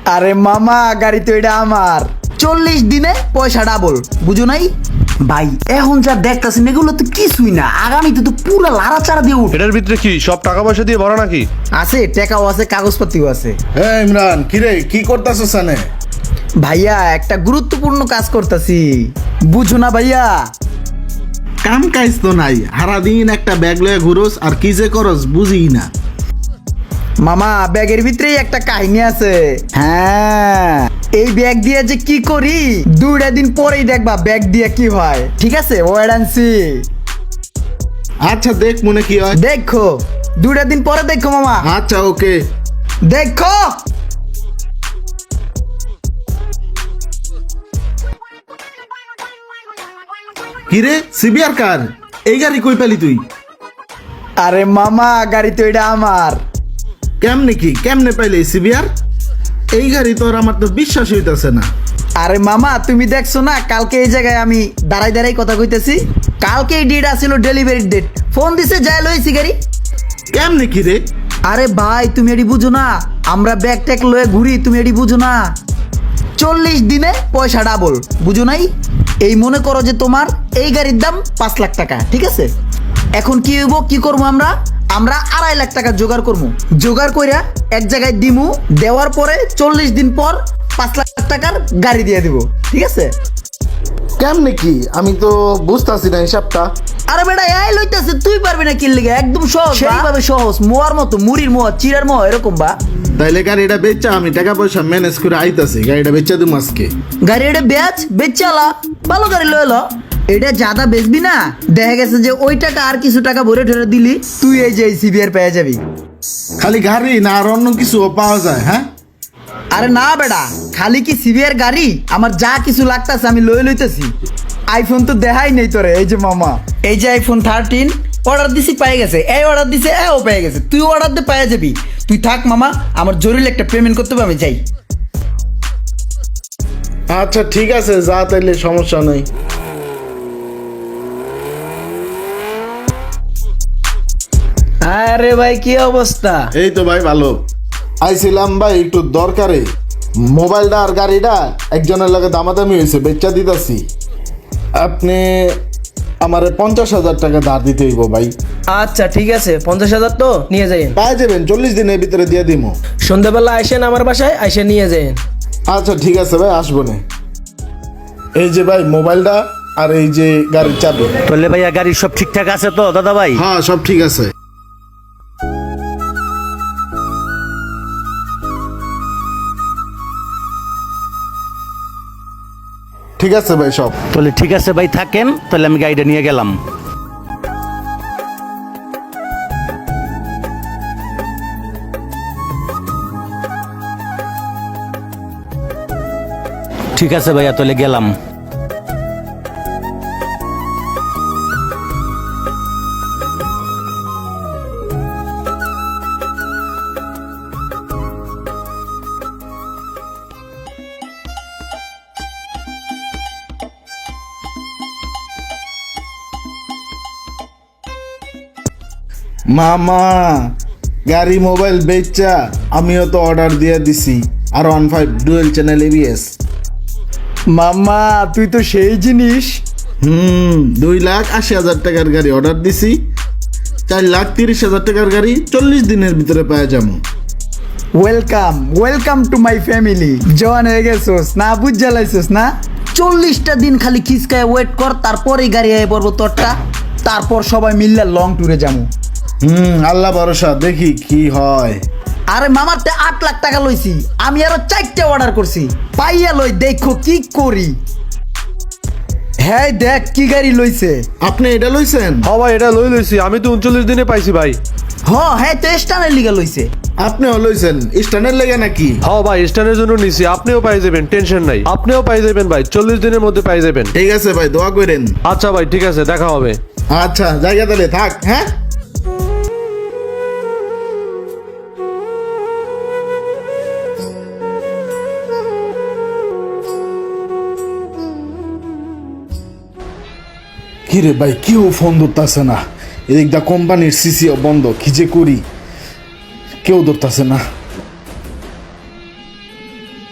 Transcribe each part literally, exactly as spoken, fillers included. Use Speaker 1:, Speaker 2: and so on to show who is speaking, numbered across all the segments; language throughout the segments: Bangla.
Speaker 1: আরে মামা গাড়ি তো এটা আমার, চল্লিশ দিনে পয়সা ডাবল, বুঝো নাই? ভাই এখন যা দেখতেছেন এগুলো তো কিছুই না, আগামীতে তো পুরো লাড়াচাড়া দিয়ে উঠে।
Speaker 2: এটার ভিতরে কি সব টাকা পয়সা দিয়ে ভরা নাকি?
Speaker 1: আছে, টাকাও আছে, কাগজপত্রও আছে।
Speaker 3: হ্যাঁ ইমরান, কিরে কি করতেছস সানে?
Speaker 1: ভাইয়া একটা গুরুত্বপূর্ণ কাজ করতেছি, বুঝো না ভাইয়া?
Speaker 3: কাম কাজ তো নাই, সারাদিন একটা ব্যাগ লয়ে ঘুরোস আর কি যে করস বুঝি না।
Speaker 1: মামা ব্যাগের ভিতরেই একটা কাহিনী আছে। হ্যাঁ, এই ব্যাগ দিয়ে যে কি করি দুইটা দিন পরেই দেখবা ব্যাগ দিয়ে কি হয়। ঠিক আছে, ওয়েট অ্যান্ড সি।
Speaker 3: আচ্ছা দেখ মনে কি হয়।
Speaker 1: দেখো, দুইটা দিন পরে দেখো মামা।
Speaker 3: আচ্ছা ওকে।
Speaker 1: দেখো
Speaker 3: কিরে সিবিআর কার? এই গাড়ি কই পেলি তুই?
Speaker 1: আরে মামা গাড়ি তো এটা আমার।
Speaker 3: কেমনে কি কেমনে পাইলি সিবিআর? এই গাড়ি তোর আমার তো বিশ্বাস হইতাছে না।
Speaker 1: আরে মামা তুমি দেখছো না, কালকে এই জায়গায় আমি দাঁড়াই দাঁড়াই কথা কইতেছি, কালকে এই ডেট আসছিল ডেলিভারির ডেট, ফোন দিছে যাই লইছি গাড়ি।
Speaker 3: কেমনে কি রে?
Speaker 1: আরে ভাই তুমি এটি বুঝো না, আমরা ব্যাগ ট্যাগ লয়ে ঘুরি, তুমি এটি বুঝো না? চল্লিশ দিনে পয়সা ডাবল, বুঝো নাই? এই মনে করো যে তোমার এই গাড়ির দাম পাঁচ লাখ টাকা, ঠিক আছে? এখন কি হইব, কি করবো আমরা আমরা আড়াই লাখ টাকা জোগাড় করবো, জোগাড় কইরা এক জায়গায় দিমু, দেওয়ার পরে চল্লিশ দিন পর পাঁচ লাখ টাকার গাড়ি দিয়ে দিব, ঠিক আছে?
Speaker 3: কেমনে কি আমি তো বুঝতাছি না হিসাবটা।
Speaker 1: আরে বেটা এই লইতেছে, তুই পারবি না কি লিগে, একদম সহজ, সেইভাবে সহজ, মোয়ার মতো, মুড়ির মোয়া, চিরার মোয়া, এরকম বা।
Speaker 3: তাইলে গাড়িটা বেচা, আমি টাকা পয়সা ম্যানেজ করে আইতাছি, গাড়িটা বেচা দিম আজকে।
Speaker 1: গাড়ি এটা বেচ বেচালা, ভালো গাড়ি লয়ে লো। এটা জাদা বেচবি না, দেখা গেছে যে ওই টাকা আর কিছু টাকা ভরে ঠরে দিলি, তুই এই যে সিবিআর পেয়ে যাবি।
Speaker 3: খালি গাড়ি না আর অন্য কিছু পাওয়া যায়? হ্যাঁ
Speaker 1: আরে না বেটা, খালি কি সিবিআর গাড়ি, আমার যা কিছু লাগতাছে আমি লয়ে লইতেছি। আইফোন তো দেখাই নেই তোরে, এই যে মামা, এই যে আইফোন থার্টিন অর্ডার দিছি, পেয়ে গেছে, এই অর্ডার দিছে, এও পেয়ে গেছে, তুই অর্ডার দিয়ে পেয়ে যাবি। তুই থাক মামা, আমার জরুরি একটা পেমেন্ট করতে হবে, আমি যাই।
Speaker 3: আচ্ছা ঠিক আছে, যা তাইলে, সমস্যা নেই।
Speaker 1: আরে ভাই কি অবস্থা?
Speaker 3: এই তো ভাই ভালো। আইছিলাম ভাই একটু দরকারে, মোবাইলটা আর গাড়িটা একজনের লাগে দামাদামি হয়েছে, বেচা দিতাছি। আপনি আমারে পঞ্চাশ হাজার টাকা ধার দিতে হইব ভাই।
Speaker 4: আচ্ছা ঠিক আছে, পঞ্চাশ হাজার তো নিয়ে যাইন।
Speaker 3: পাই যাবেন, চল্লিশ দিনের ভিতরে দিয়ে দিব।
Speaker 4: সন্ধ্যাবেলা আইসেন আমার বাসায়, আইসে নিয়ে যাইন।
Speaker 3: আচ্ছা ঠিক আছে ভাই, আসবো না। এই যে ভাই মোবাইলটা আর এই যে গাড়ির চাবি।
Speaker 5: তাহলে ভাইয়া গাড়ির সব ঠিকঠাক আছে তো দাদা ভাই?
Speaker 3: হ্যাঁ সব ঠিক আছে। ঠিক আছে ভাই সব।
Speaker 5: তাহলে ঠিক আছে ভাই, থাকেন তাহলে, আমি গাড়িটা নিয়ে গেলাম। ঠিক আছে ভাইয়া, তাহলে গেলাম।
Speaker 3: মামা গাড়ি মোবাইল বেচা আমিও তো অর্ডার দিয়ে দিছি, আর one five dual channel ABS.
Speaker 1: মামা তুই তো সেই জিনিস।
Speaker 3: হুম দুই লাখ আশি হাজার টাকার গাড়ি অর্ডার দিছি, চার লাখ তিরিশ হাজার টাকার গাড়ি চল্লিশ দিনের ভিতরে পাওয়া যাবো।
Speaker 1: Welcome welcome to my family. জওয়ান হয়ে গেছোস না, বুঝ জ্বালাইছোস না? চল্লিশটা দিন খালি খিসকায় ওয়েট কর, তারপরেই গাড়ি আয় পড়বো তোরটা, তারপর সবাই মিললে লং ট্যুরে যাবো।
Speaker 3: হুম আল্লাহ ভরসা, দেখি কি হয়।
Speaker 1: আরে মামার তে আট লাখ টাকা লইছি, আমি আরো চারটে অর্ডার করছি, পাইয়া লই দেখো কি করি। হ্যাঁ দেখ কি গাড়ি লইছে।
Speaker 3: আপনি এটা লইছেন?
Speaker 2: হ্যাঁ ভাই, এটা লই লইছি, আমি তো উনচল্লিশ দিনে পাইছি ভাই।
Speaker 1: হ হ্যাঁ তো স্টানের লিগা লইছে।
Speaker 3: আপনিও লইছেন স্ট্যান্ডের লেগে নাকি?
Speaker 2: হ্যাঁ ভাই, স্ট্যান্ডের জন্য নিছি, আপনিও পাই যাবেন, টেনশন নাই, আপনিও পাই যাবেন ভাই, চল্লিশ দিনের মধ্যে পাই যাবেন।
Speaker 3: ঠিক আছে ভাই, দোয়া করেন।
Speaker 2: আচ্ছা ভাই ঠিক আছে, দেখা হবে।
Speaker 3: আচ্ছা জায়গা তাহলে থাক। হ্যাঁ কিরে ভাই, কেউ ফোন ধরতেছে না, এদিকটা কোম্পানির সিসিও বন্ধ, কি যে করি, কেউ ধরতেছে না।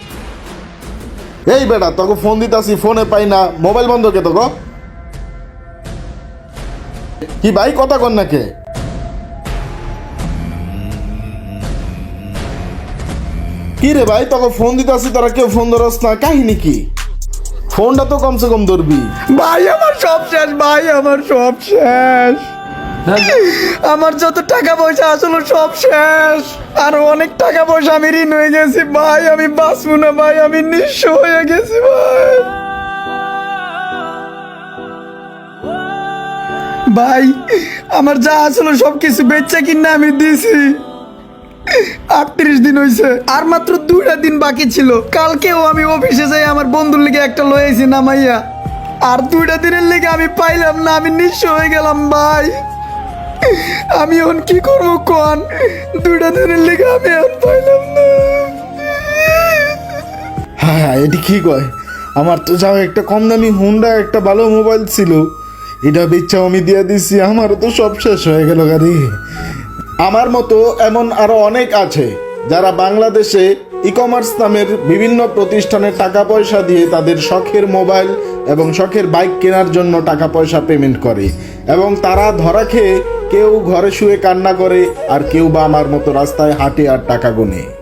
Speaker 3: এই বেটা তোকে ফোন দিতাছি ফোনে পাই না, মোবাইল বন্ধ কে তোকে? কি ভাই কথা কন নাকে? কি রে ভাই তোকে ফোন দিতাছি তোরা কেউ ফোন ধরস না, কাহিনী কি? ফোনটা তো কমসে কম ধরবি।
Speaker 1: ভাই আমার সব শেষ, ভাই আমার সব শেষ, আমার যত টাকা পয়সা আসলে সব শেষ, আর অনেক টাকা পয়সা আমি ঋণ হয়ে গেছি ভাই, আমি বাঁচবো না ভাই, আমি নিঃস্ব হয়ে গেছি ভাই। ভাই আমার যা আসলে সব কিছু বেচা কিনা আমি দিছি, আটত্রিশ দিন হয়েছে, আর মাত্র দুইটা দিন বাকি ছিল। কালকেও আমি অফিসে যাই আমার বন্ধুর লিগে একটা লয়েছি নামাইয়া, আর দুইটা দিনের লিগে আমি পাইলাম না, আমি নিঃস্ব হয়ে গেলাম ভাই। আমি এখন কি করবো কোন, দুইটা দিনের লিগে আমি এখন পাইলাম না।
Speaker 3: হ্যাঁ এটি কি কয়, আমার তো যাও একটা কম দামি হুন্ডা একটা ভালো মোবাইল ছিল, এটা বেচাও আমি দিয়ে দিছি, আমারও তো সব শেষ হয়ে গেল গাড়ি। আমার মতো এমন আরো অনেক আছে যারা বাংলাদেশে ই কমার্স নামের বিভিন্ন প্রতিষ্ঠানে টাকা পয়সা দিয়ে তাদের শখের মোবাইল এবং শখের বাইক কেনার জন্য টাকা পয়সা পেমেন্ট করে, এবং তারা ধরা খেয়ে কেউ ঘরে শুয়ে কান্না করে আর কেউ বা আমার মতো রাস্তায় হাঁটে আর টাকা গোনে।